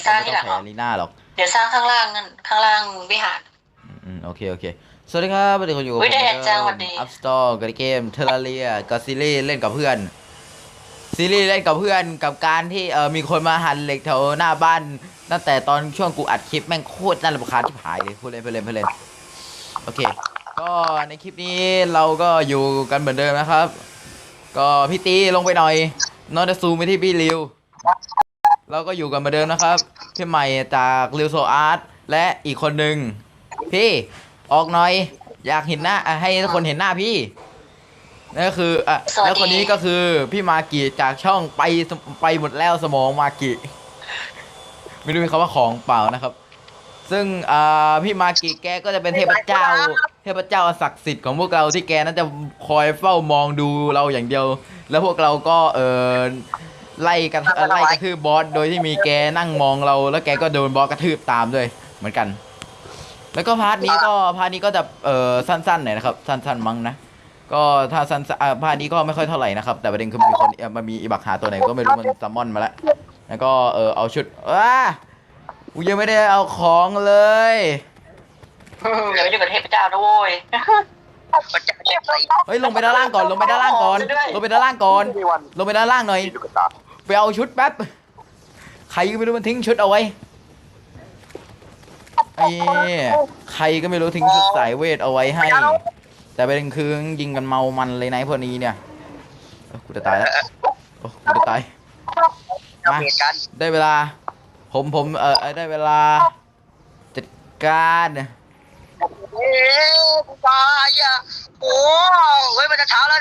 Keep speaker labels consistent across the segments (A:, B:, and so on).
A: สร้าง
B: ไม่
A: ที่
B: ต้
A: ห
B: อ
A: ลั
B: ง
A: ง
B: แข
A: เหรอ
B: นลีน่าหรอก
A: เดี๋ยวสร้างข้างล่างนั่นข้างล่างวิหาร
B: โอเคโอเคสวัสดีครับวันนี้คุณอยู่กับผม
A: วิแดดจังหวัดดี
B: อัพสตอร์กับเกมเทอร์เรียกับซีรีส์เล่นกับเพื่อนซีรีส์เล่นกับเพื่อนกับการที่มีคนมาหั่นเหล็กแถวหน้าบ้านตั้งแต่ตอนช่วงกูอัดคลิปแม่งโคตรน่ารำคาญที่หายเลยพูดเล่นพูดเล่นพูดเล่นโอเคก็ในคลิปนี้เราก็อยู่กันเหมือนเดิมนะครับ ก็พี่ตีลงไปหน่อยนอตซูมไปที่พี่ริวเราก็อยู่กันเหมือนเดิมนะครับพี่ใหม่จากริวโซอาร์ตและอีกคนหนึ่งพี่ออกหน่อยอยากเห็นหน้าให้ทุกคนเห็นหน้าพี่นั่นก็คือ
A: สวัสดี
B: แล้วคนนี้ก็คือพี่มากิจากช่องไปหมดแล้วสมองมากิไม่รู้มีคำว่าของเปล่านะครับซึ่งพี่มากิแกก็จะเป็นเทพเจ้าศักดิ์สิทธิ์ของพวกเราที่แกนั้นจะคอยเฝ้ามองดูเราอย่างเดียวแล้วพวกเราก็ไล่กระทืบบอสโดยที่มีแกนั่งมองเราแล้วแกก็โดนบอสกระทืบตามด้วยเหมือนกันแล้วก็พาร์ทนี้ก็จะสั้นๆหน่อยนะครับสั้นๆมั้งนะก็ถ้าสั้นพาร์ทนี้ก็ไม่ค่อยเท่าไหร่นะครับแต่ประเด็นคือมีคนมันมีอีบักหาตัวไหนก็ไม่รู้มันซัมมอนมาแล้วก็เอาชุดกูยังไม่ได้เอาของเลย
A: เดี๋ยวอยู่กับเทพเจ้านะโว้ย
B: เฮ้ยลงไปด้านล่างก่อนลงไปด้านล่างก่อนลงไปด้านล่างก่อนลงไปด้านล่างหน่อยไปเอาชุดแป๊บใครก็ไม่รู้มันทิ้งชุดเอาไว้ไอ้ใครก็ไม่รู้ทิ้งชุดสายเวทเอาไว้ให้แต่ประเด็นคือยิงกันเมามันเลยนะพวกนี้เนี่ยกูจะตายแล้วกูจะตายมาได้เวลาผมได้เวลาจัดการ
C: เอ๊ะกูตายอ่ะโอ้เฮ้ยมันจะเช้าแล้ว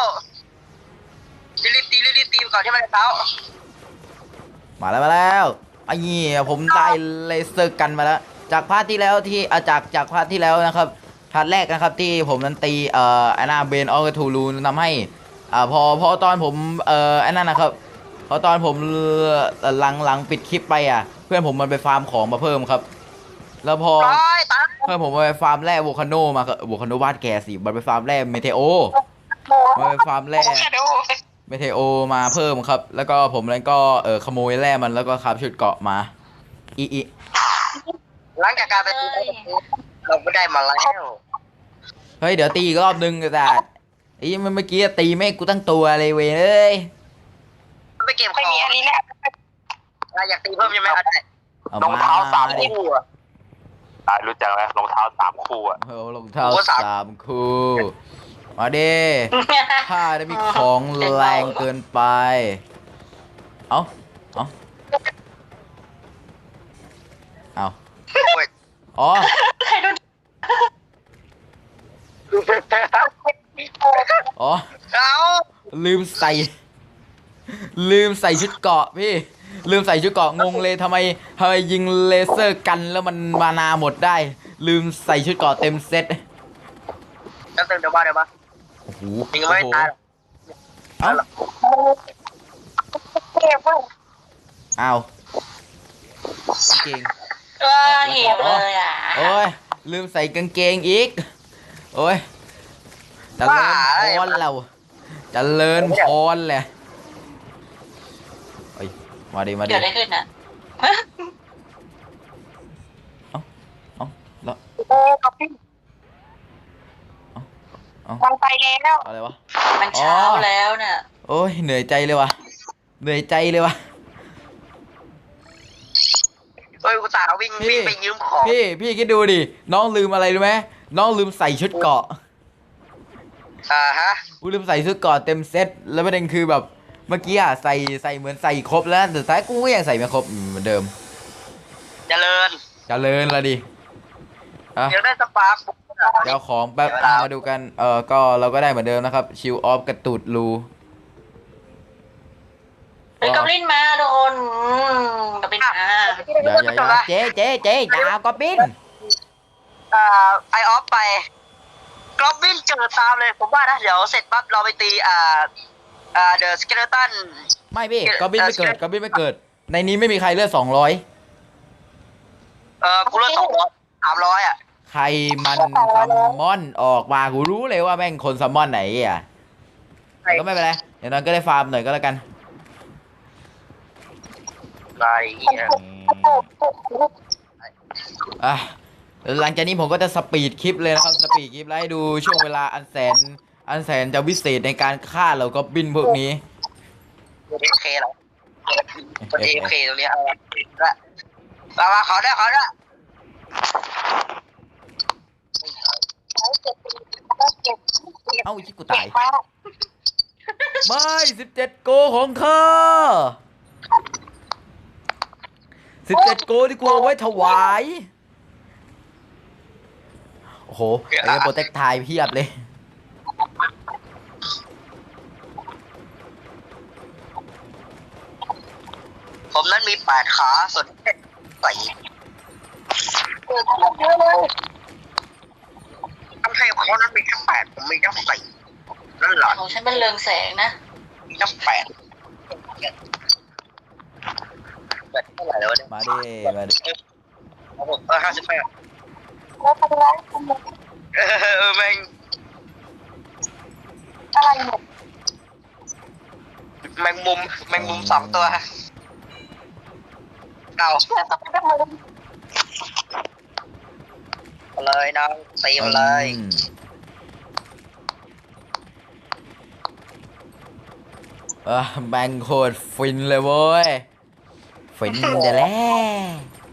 C: รีบตีก่อนที่มันจะเช้า
B: มาแล้วไอ้นี่ผมได้เลเซอร์กันมาแล้วจากพาร์ทที่แล้วที่จากพาร์ทที่แล้วนะครับพาร์ทแรกนะครับที่ผมนั้นตีไอ้น่าเบนออกทูลูทำให้พอตอนผมไอ้นั่นนะครับพอตอนผมหลังปิดคลิปไปเพื่อนผมมันไปฟาร์มของมาเพิ่มครับแล้วพอเพื่อนผมไปฟาร์มแร่โวคาโนมาโวคาโนบ้านแกสิมันไปฟาร์มแร่เมเทโอมันไปฟาร์มแร่เมเทโอมาเพิ่มครับแล้วก็ผมนั้นก็ขโมยแร่มันแล้วก็คราฟชุดเกาะมาอี
C: หลังจากการไปตีเราไม่ได้มาแล้ว
B: เฮ้ยเดี๋ยวตีอีกรอบนึงแต่ไอ้เมื่อกี้ตีไม่กูตั้งตัวเลยเว้ยเอ้ย
C: ไปเก็บของมีอันนี้แหละอยากตีเพิ่มยังไม่ได้
B: รองเท้า
C: 3 คู่
D: รู้จักไหมรองเท้า3 คู่
B: รองเท้า3 คู่มาดิถ้าได้มีของแรงเกินไปเอาอ๋อลืมใส่ชุดเกราะพี่ลืมใส่ชุดเกราะงงเลยทำไมยิงเลเซอร์กันแล้วมันมานาหมดได้ลืมใส่ชุดเกราะเต็มเซ็ต
C: เดี๋ยวมา
B: โอ้โห
C: ยิงไม่ตาย
B: เอาจริง
A: หิวเลย
B: โอ้ยลืมใส่กางเกงอีกโอ้ยเจริญพรเราเจริญพรเลยเอ้ยมาดิ
A: เกิดอะไรขึ้นน่ะ
B: แล้ว
C: มันไปแล้ว
B: อะไรวะ
A: มันเช้าแล้วน่ะ
B: โอ้ยเหนื่อยใจเลยวะเ
C: ฮ้ยกูสาววิ่งไปยืมของ
B: พี่คิดดูดิน้องลืมอะไรรู้ไหมน้องลืมใส่ชุดเกราะ
C: ฮะ
B: กูลืมใส่ชุดเกราะเต็มเซ็ตแล้วประเด็นคือแบบเมื่อกี้ใส่เหมือนใส่ครบแล้วแต่สุดท้ายกูก็ยังใส่ไม่ครบเหมือนเดิม
C: เจริญ
B: ละดิ
C: เดี๋ยวได้สปาร์ค
B: เดี๋ยวของแป๊บมาดูกันก็เราก็ได้เหมือนเดิมนะครับชิลออฟกระตูดรู
A: เป็นกอบลินมาทุกคนกอบลินมา
B: อย่าเจ๊อย่าเอากอบลิน
C: ไอออฟไปกอบลินเจอตามเลยผมว่านะเดี๋ยวเสร็จปั๊บเราไปตีเดอะสเกเลตัน
B: ไม่พี่กอบลินไม่เกิดในนี้ไม่มีใครเลือด200
C: กูเลือด300
B: ใครมันซัมมอนออกมากูรู้เลยว่าแม่งคนซัมมอนไหนก็ไม่เป็นไรอย่างนั้นก็ได้ฟาร์มหน่อยก็แล้วกัน
C: ไร
B: อ่ะหลังจากนี้ผมก็จะสปีดคลิปเลยนะครับสปีดคลิปแล้วให้ดูช่วงเวลาอันแสนจะวิเศษในการฆ่าเหล่ากอบบินพวกนี้
C: เอฟเคเหรอคนเอฟเคตรงนี้เอาละมาขอได้
B: เอ้าที่กูตายไม่17โกของเธอ17โกที่กูเอาไว้ถวายโอ้โหไอ้โปรเทคไทยเพียบเลย
C: ผมนั้นมี8 ขาส่วนใส่ทำให้เขานั้นมีแค่8ผมมีแค่4นั่นแหละ
A: ของฉันเป็นเรืองแสงนะ
C: มีแค่8เท่าไหร่แล้วเนี่ย
B: มาดิ
C: 58แม่งแมงมุม2 ตัวเอาเลยน้องตีมาเลย
B: แบงโคตรฟินเลยเว้ยฟินเดี๋ยวแล้ว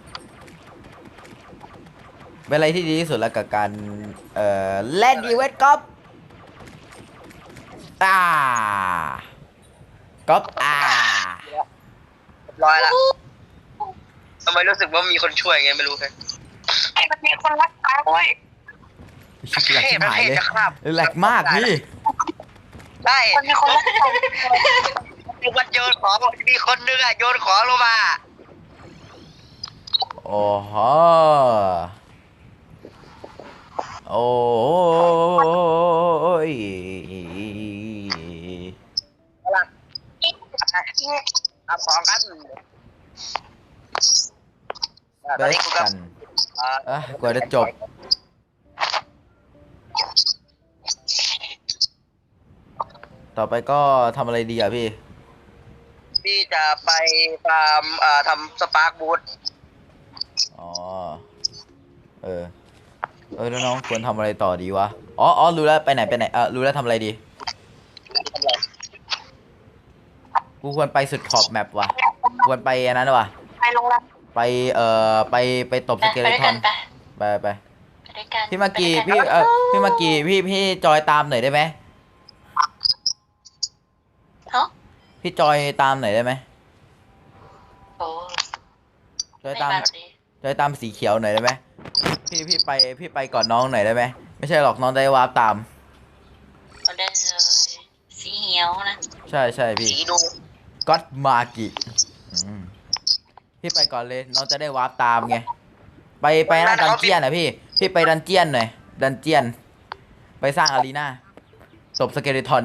B: เป็นอะไรที่ดีที่สุดแล้วกับการเล่นอีเวนต์ก๊อปก๊อป
C: ร้อยละทำไมรู้สึกว่ามีคนช่วยไงไม่รู้เลยไอ้มันมีคนรักษาด้วย
B: แหลกหายเลยแหลกมากพี่
C: ได้มันมีคนรักษามันโยนของมีคนนึงอะโยนของลงมา
B: โอ้โหโอ้ย
C: เอาของกัน
B: เบสกันกว่าจะจบต่อไปก็ทำอะไรดีอ่ะพี่
C: จะไปฟาร์มทำสปาร์กบูท
B: อ๋อแล้วน้องควรทำอะไรต่อดีวะอ๋อรู้แล้วไปไหนรู้แล้วทำอะไรดีกูควรไปสุดขอบแมปว่ะควรไปอันนั้นว่ะ
C: ไปลงละ
B: ไปตบสเกเลทอนไปพี่มากีพี่จอยตามหน่อยได้ไหมพี่จอยตามหน่อยได้ไหมจอยตามสีเขียวหน่อยได้ไหมพี่ไปก่อนน้องหน่อยได้ไหมไม่ใช่หรอกน้องได้วาร์ปตาม
A: ได้เลยสีเขียวนะ
B: ใช่พี่ก็อดมากิพี่ไปก่อนเลยน้องจะได้วาร์ปตามไงไปหน้าดันเจียนนะพี่ไปดันเจียนหน่อยดันเจียนไปสร้างอารีนาตบสเกเลทอน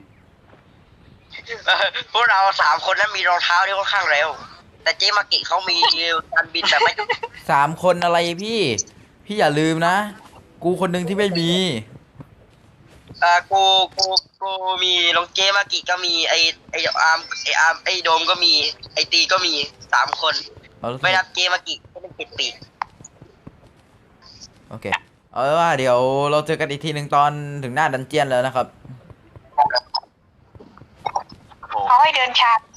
C: พวกเรา3 คนนั้นมีรองเท้าที่ค่อนข้างเร็วแต่เจมากิเขามีการบินแต่ไม่
B: 3 คนอะไรพี่อย่าลืมนะกูคนหนึ่งที่ไม่มี
C: กูมีลงเจมากิก็มีไออาร์มไอโดมก็มีไอตีก็มี3 คนไม่นับเจมากิก็เป็น7 ปีก
B: โอเคเอาว่าเดี๋ยวเราเจอกันอีกทีหนึ่งตอนถึงหน้าดันเจียนแล้วนะครับ
C: เขาให้เดินชาร์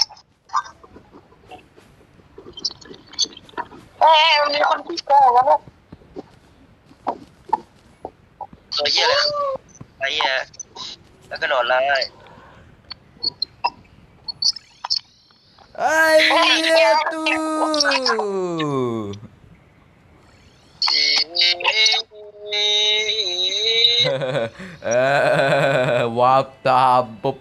C: จมีคนที่โกงแล้วเหี้ยเลยไอ้เหี้ยแล้วก็โดดเลย
B: ไอ้เหี้ยตูวาบตามปุ๊บ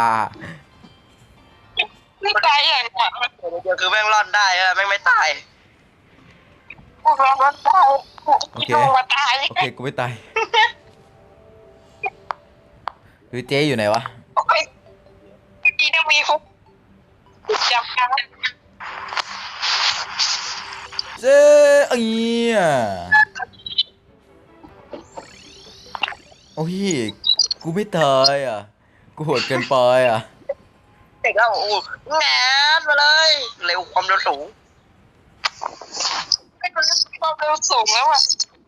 C: ไม่ตายอย่างนี้คือแม่งรอดได้แม่งไม่ตายแม่งรอดได้
B: โอเคกูไม่ตายคือเจ๊อยู่ไหนวะ
C: ดีนะมีฟุกจับกัน
B: เจ๊เอ้ยโอ้ยกูไม่ตายอ่ะกูโหดเกินไปอ่ะ
C: เด็กแล้วแงนมาเลยเร็วความเร็วสูง
E: สูงแล้วอ่ะ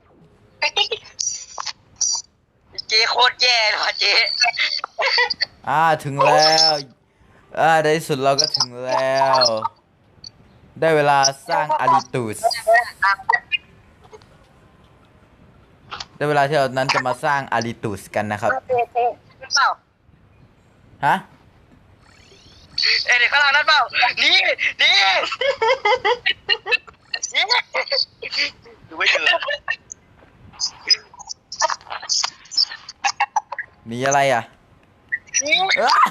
C: เจ๊โคตรแย่เลยว่ะเจ๊
B: ถึงแล้วในที่สุดเราก็ถึงแล้ว ได้เวลาสร้างอาริตูสได้เวลาที่เรานั้นจะมาสร้างอาริตูสกันนะครับ
C: เปล่า
B: ฮะ
C: เด็กข้างล่างนั่นเปล่านี่ดูไม่เจอ
B: มีอะไรอ่ะ
C: นี่
B: อ๊ะ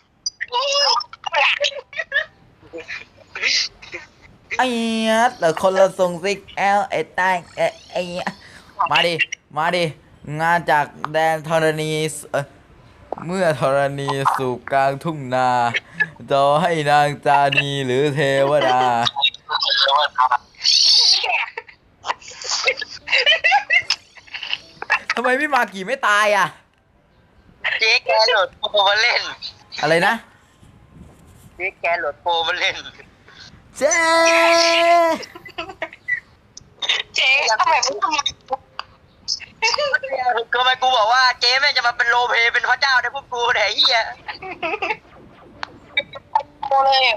B: ไอ้เนี้ยแต่คนละทรงซิกไอ้ใต้ไอ้เนี้ยมาดิ งานจากแดนธรณีเมื่อธรณีสู่กลางทุ่งนาจะให้นางจานีหรือเทวดา ทำไมพี่มากี่ไม่ตายอ่ะ
C: เจ๊แกโหลดโปรมาเล่น
B: อะไรนะ
C: เจ๊แกโหลดโปรมาเล่น
B: เจ๊
E: เจ๊ทำไมไม่ทำ
C: ทำไมกูบอกว่าเจ๊แม่งจะมาเป็นโลเพเป็นพระเจ้าในพวกกูเนี่ยไอ้เหี้ย
E: โมเลยอ่ะ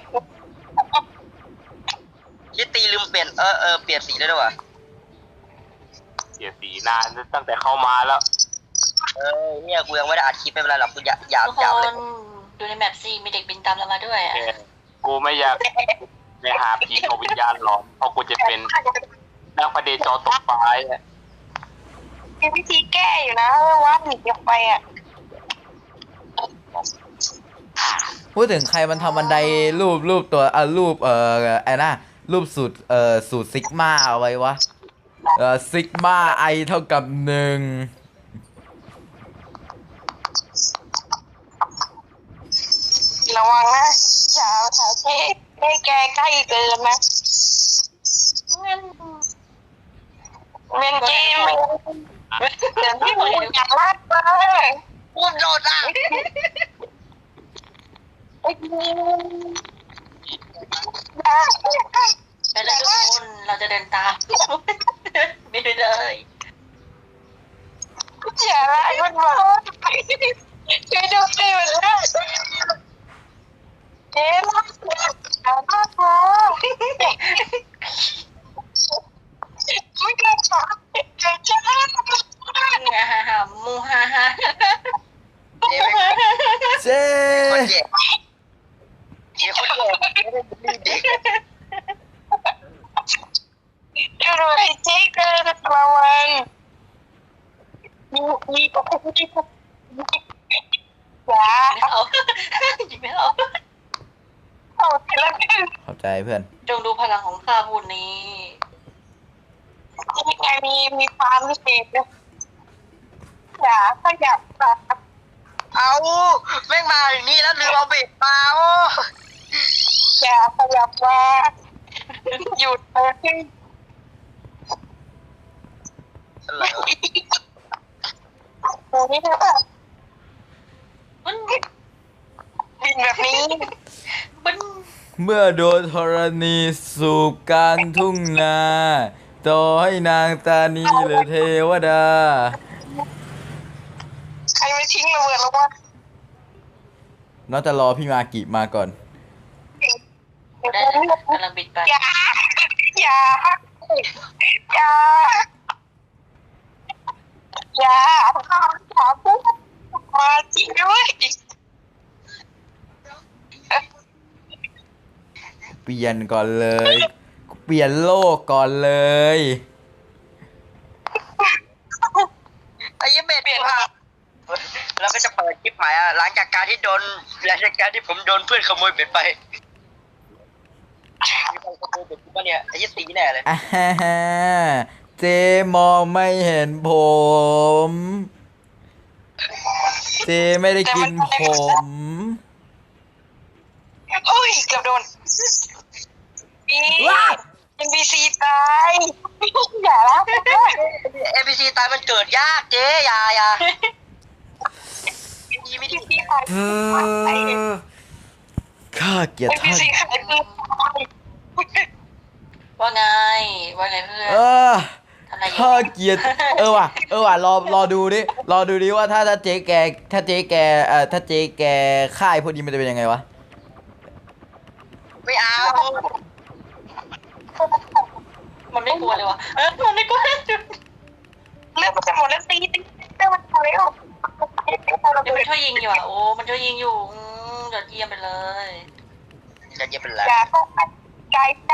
C: คิดตีลืมเปลี่ยนเปลี่ยนสีได้ด้วยวะ
D: เสียสีนานตั้งแต่เข้ามาแล้ว
C: เนี่ยกูยังไม่ได้อัดคลิปไม่เป็นไรหรอกกูอยาก
A: ทุกค
C: เลย
A: นดูในแมปซีมีเด็กบินตามเรามาด้วยอะ
D: กูไม่อยากไปหาผีกับวิญญาณหรอกเพราะกูจะเป็นนักประเดจอตกปลายอะ
E: มีวิธีแก้อยู่นะว่าหนีออกไปอ่ะ
B: พูดถึงใครมันทำบันไดรูปตัวรูปไอ้น่ะรูปสูตรซิกมาเอาไว้วะซิกมาไอเท่ากับ1
E: ระวังนะอย่าหาเจ๊ให้แกใกล้เกินนะ
A: งั้น
E: เล่นเกมเดี๋ยวพี่พูดอย่างลาดมา
C: กูโดดอ่ะ
A: ไปเลยทุกคนเราจะเดินตาม ไม่ได้เลย
E: อย่าละมันมาช่วยดูสิมันละเจ๊รักอย่าลาดมาไม่ได้ค่ะเจ๊จะลาดมา
A: ฮ่ามูฮ่าฮ่า
C: เจ๊ไม่
B: เจ๊
C: คนแย่เจ๊คนแย่ไม่ได้รีบเด็ก
E: ช่วยด้วยเจ๊เกินระวังมีก็อย่า
A: เอายิงไม่เอา
E: เอาทีละนิด
B: เข้าใจเพื่อน
A: จงดูพลังของข้าพูดนี้
E: นี่ไงมีความพิเศษนะอย่าขยับนะ
C: เอาแม่งมาอย่างนี้แล้วลืมเอาเบ็ดมาโอ้
E: อย่าขยับมาหยุดเลย
C: อะไรวะ
E: โอ้นี่นะ
A: มัน
E: บินแบบนี้
A: มัน
B: เมื่อโดนธรณีสู่กลางทุ่งนาต่อให้นางตานีหรือเทวดา
E: ใครไม่ทิ้งระเบิดแล้ววะ
B: น้องจะรอพี่มากิมาก่อน
A: ได้เลยกำลังบินไป
E: อย่าอย่าอย่าอย่าอย่าพูดมาจริงด้วย
B: เปลี่ยนก่อนเลย เปลี่ยนโลกก่อนเลย
C: ไอ้ยี่เบ็ดกูค่ะแล้วก็จะเปิดคลิปใหม่อ่ะหลังจากการที่ผมโดนเพื่อนขโมยเบ็ดไปมีคนขโมยเบ็ดกูปะเนี่ยไอ้ยี่ตีแน่เลย
B: อ่าฮ่าฮ่าเจมองไม่เห็นผม เจไม่ได้กินผม
E: โอ้ยเกือบโดนอีNPC ตาย อย่าละ
C: NPC ตายมันเกิดยากเจ๊อย่าไม่ดี
E: NPC ตาย
B: ข้าเกลียดท่าน
E: NPC ขายปืนตาย
A: ว่าไงว่าไงเพื่อน
B: เออ
A: อะไรอย่าง
B: ถ้า
A: เงี้ย
B: เกียรติว่ะรอดูดิว่าถ้าเจ๊แกถ้าเจ๊แกถ้าเจ๊แกค่ายพวกนี้มันจะเป็นยังไงวะ
C: ไม่เอา
A: มันไม่กลัวเลยวะมันไม่กลัว
E: เลือกมันจะหมดแล้วตีเลือกมันหมดแล้ว
A: เดี๋ยวมันช่วยยิงอยู่อ่ะโอ้มันช่วยยิงอยู่ยอดเยี่ยมไปเลย
C: จะเย็บเป็นไร
E: อย่าเข้าไปไกลนะ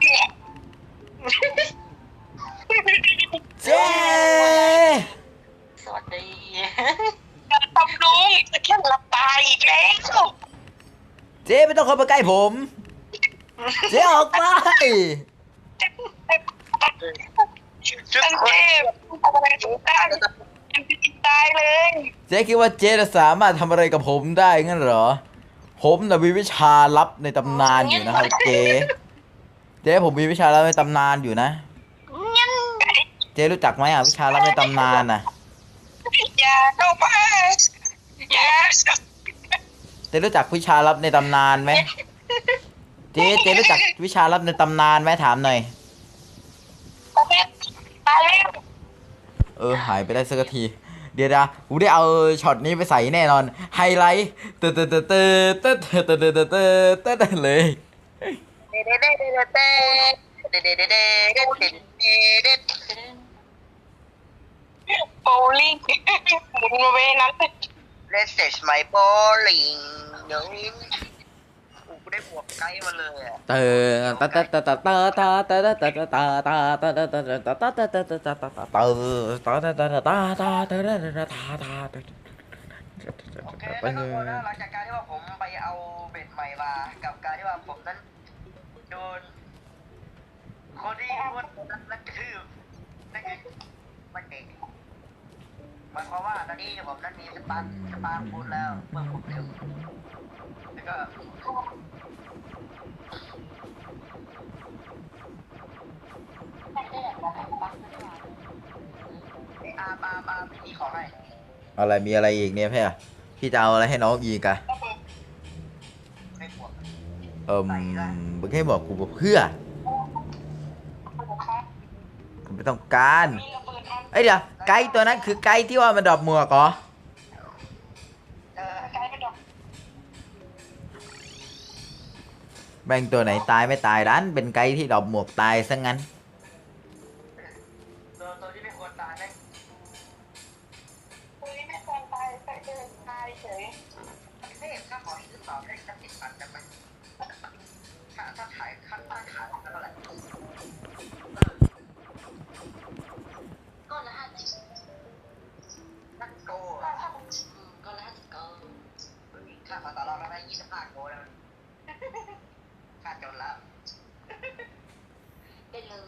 B: เจ๊
A: สวัสดี
E: ทำลุงจะแค่หลับตายอีกแล้ว
B: เจ๊ไม่ต้องเข้ามาใกล้ผม เจ๊ออกไป
C: ชุด
E: ฉัน
C: คน
E: เจ็บทำอะไรถึงได้ฉันตายเลย
B: เจ๊คิดว่าเจ๊จะสามารถทำอะไรกับผมได้งั้นเหรอ ผมน่ะมีวิชาลับในตำนานอยู่นะครับเจ๊ผมมีวิชาลับในตำนานอยู่นะ เจ๊รู้จักไหมวิชาลับในตำนานน่ะ
E: อย่าเข้าไปอย่า
B: เจ๊รู้จักวิชาลับในตำนานไหมเจ๊รู้จักวิชาลับในตำนานไหมถามหน่อย
E: ตายแล้ว
B: หายไปได้สักที เดี๋ยวนะกูได้เอาช็อตนี้ไปใส่แน่นอน ไฮไลท์เตอเลย
E: โบลิ่งหมุนมาเวนั้น
C: Let's set my bowling เดี๋ยวนี้กูได้บวกไกด์มาเลยอ่ะ โอเคแล้วก็นะหลังจากการที่ว่าผมไปเอาเบ็ดใหม่มากับการที่ว่าผมนั้นโดนคนที่พูดนั้นกระทืบนั่นคือมันเด็กหมายความว่าตอนนี้ผมนั้นมีสปาร์ฟูดแล้วเมื่อผมเร็วแล้วก็ปาพี่ขอให้
B: อะไรมีอะไรอีกเนี่ยพี่จะเอาอะไรให้น้องอีกอะ
C: ไม่บวก
B: มึงให้บอกกูเพื่อกูไม่ต้องการเดี๋ยวไกด์ตัวนั้นคือไกด์ที่ว่ามันดรอปหมวกเหรอ
E: กลายเป็นดอก
B: แบ่งตัวไหนตายไม่ตายดันเป็นไกด์ที่ดรอปหมวกตายซะงั้น
C: ตัวที่ไม่ควรตายแม่ง
E: คุยไม่ควรตายแต่เดินตายเฉย
C: ไม่เห็นค่าของหรือเปล่าได้จะติดปันกันไหมถ้าขายค่าขายเท่าไหร่
A: ก้อนละ50
C: นักโก
A: ก้อนละ50ก้อน
C: ค่าขอต่อรองแล้วได้25 โกแล้วค่าจนแล้ว
A: ได้เลย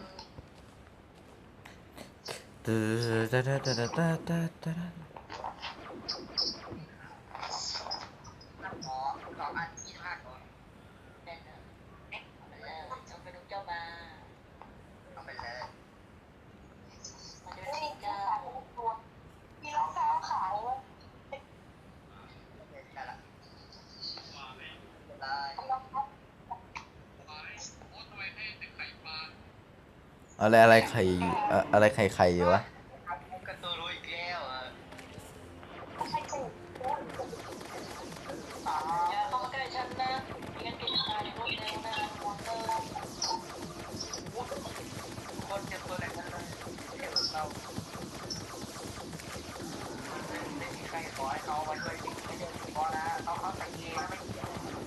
C: ขออัน25 โก
A: ได้เลยเอาไปเลยเอาไปดูเจ้ามา
C: เอาไปเลย
A: มาดูที่เจ้า
E: มีรองเท้าขาย
C: ได้ละได้
B: อะไรไข่อยู่อะไรไข่อยู่วะ
C: กระตูรู้อีกแล้วอ่ะ
A: อย่าเข้ามาใกล้ฉันนะไม่งั้นแกจะตายในรถเร็วนะมอเตอร์
C: คนเจ็บตัวไหนกันเลยเจ็บเราไม่มีใครขอให้เขามาช่วยไม่ได้พอนะเขาใส่เองไม่เกี่ยว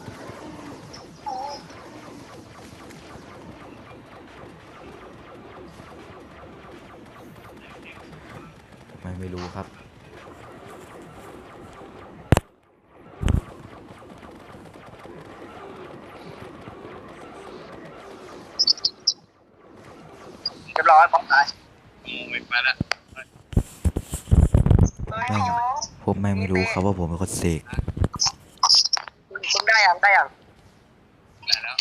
B: ไม่รู้ครับ
C: เรียบร้อยพร้อมตาย
D: ไม่ไปละ
C: เฮ้ย
B: พวกแม่งไม่รู้ครับว่าผมเป็นคนเสก
C: คุณได้ยังได้ยัง
D: ได้แล้ว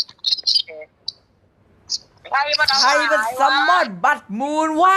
C: ใครมัน
B: ใครเป็นซัมมอนบัตมูนวะ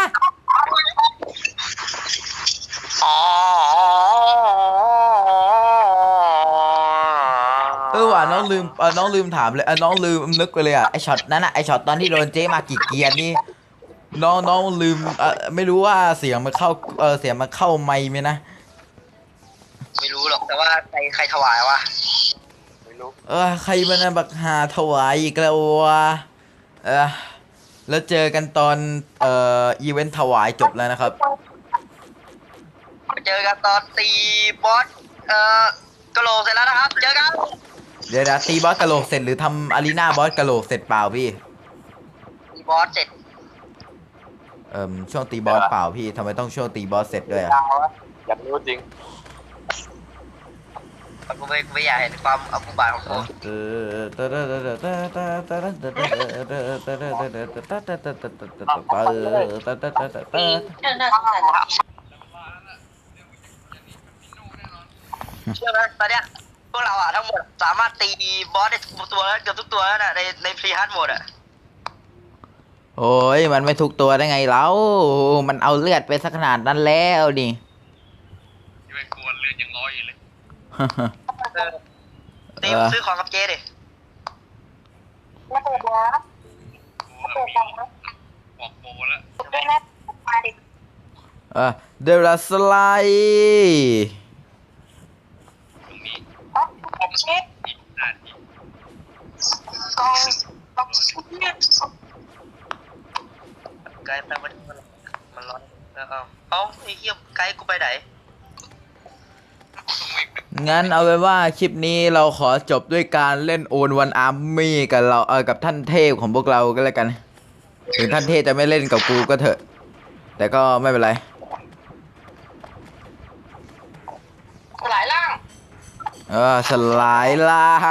B: ว่ะน้องลืมถามเลยน้องลืมนึกไปเลยไอช็อตนั้นไอช็อตตอนที่โดนเจ๊มากี่เกียร์นี่น้องลืมไม่รู้ว่าเสียงมันเข้าเสียงมันเข้าไมค์ไหมนะ
C: ไม่รู้หรอกแต่ว่าใครถวายวะ
D: ไม่รู้
B: ใครมันนะบักหาถวายอีกแล้ววะแล้วเจอกันตอนอีเวนต์ถวายจบแล้วนะครับ
C: เจอกันตอนตีบอสกะโหลกเสร็จแล้วนะครับเจอกัน
B: เดี๋ยวนะตีบอสกะโหลกเสร็จหรือทำอารีนาบอสกะโหลกเสร็จเปล่าพี่
C: ตีบอสเสร็จ
B: ช่วงตีบอสเปล่าพี่ทำไมต้องช่วงตีบอสเสร็จด้วยอะ
D: ยาวอะอยากรู้จริง
C: กูไม่อยากเห็นความเอากูบาทของกู
A: เรื่องน่าสงสัยนะ
C: เชื่อไหมตอนเนี้ยพวกเราอะทั้งหมดสามารถตีบอสได้ทุกตัวแล้วเกือบทุกตัวแล้วนะในพรีฮัทโหมดอะ
B: โอ้ยมันไม่ทุกตัวได้ไงแล้วมันเอาเลือดไปสักขนาดนั้นแล้วนี่
D: ที่เป็นกวนเลือดยังร้อยอยู่เลย
C: ตีซื้อของกับเจดิ
E: ไม่เปิดนะไม่เปิดจังนะ
D: บอกโบแล้ว
E: ด้วยนะมาดิ
B: เดลัสไลด์
D: ตรงนี้
E: ผมเช็ค
D: อีกนาที
E: กองเนี่ย
C: ไกด์ไปมันร้อนแล้วเอาไอ้เหี้ยไกด์กูไปไหน
B: งั้นเอาไว้ว่าคลิปนี้เราขอจบด้วยการเล่นโอนวันอาร์มี่กับเรากับท่านเทพของพวกเราก็แล้วกัน ถึงท่านเทพจะไม่เล่นกับกูก็เถอะ แต่ก็ไม่เป็นไร
A: สลายล่าง
B: สลายล่าง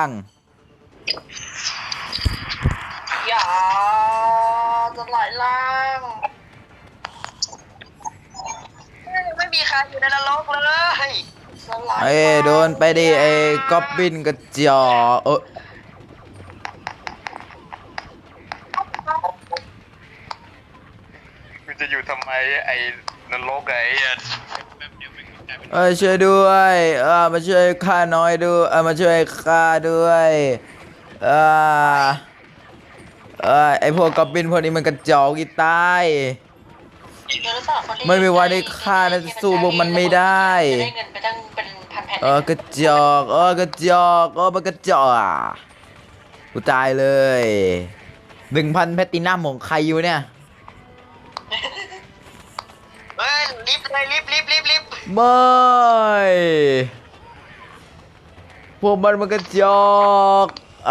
A: อย่าสลายล่าง
C: ไม่มีใครอยู่ในนรกเลย
A: สลาย
B: โดนไปดิไอ้ก๊อบบินกระจอก
D: กูจะอยู่ทำไมไอ้นรกไอ้แป๊บเดียวไม่กลายเป็น
B: ช่วยด้วยมาช่วยข้าน้อยดูมาช่วยข้าด้วยไอพวกก๊อบบินพวกนี้มันกระจอกอีตาย
A: เดี๋ยวเราสลับคนเล่น
B: ไม่มีวันได้ฆ่านะสู้พวกมันไม่ได้
A: จะได้เงินไปตั้งเป็นพันแผ่น
B: กระจอกกระจอกมันกระจอกกูตายเลย1,000 แพตตินัมของใครอยู่เนี่ย
C: เฮ้ยลิฟต์เลยลิฟต์
B: ไม่พวกมันกระจอก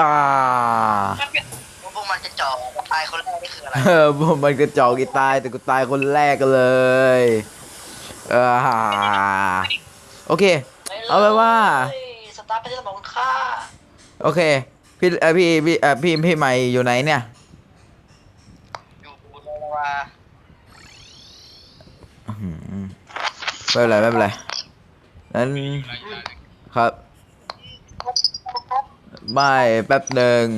C: พวกมันจะจ่อตายคนแรกนี่คืออะไร
B: พวกมันกระจอกอีตายแต่กูตายคนแรกเลยโอเค เอาไปว่า
A: สตาร์ทไปที่สมองค่า
B: โอเคพี่ใหม่อยู่ไหนเนี่ย
C: อยู่ในลาวา
B: ไม่เป็นไรนั้นครับไม่แป๊บหนึ่ง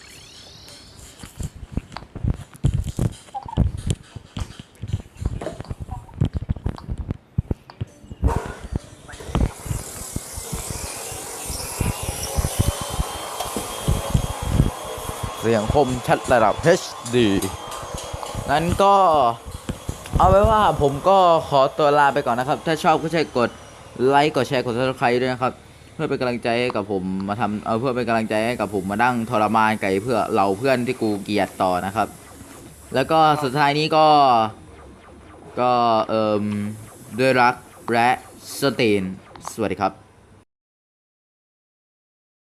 B: เสียงคมชัดระดับ HD นั้นก็เอาไว้ว่าผมก็ขอตัวลาไปก่อนนะครับ ถ้าชอบก็ช่วยกดไลค์กดแชร์กด Subscribe ด้วยนะครับ เพื่อเป็นกำลังใจให้กับผมมาทำเพื่อเป็นกำลังใจให้กับผมมานั่งทรมานไก่เพื่อเราเพื่อนที่กูเกลียดต่อนะครับ แล้วก็สุดท้ายนี้ก็ด้วยรักและสตีนสวัสดีครับ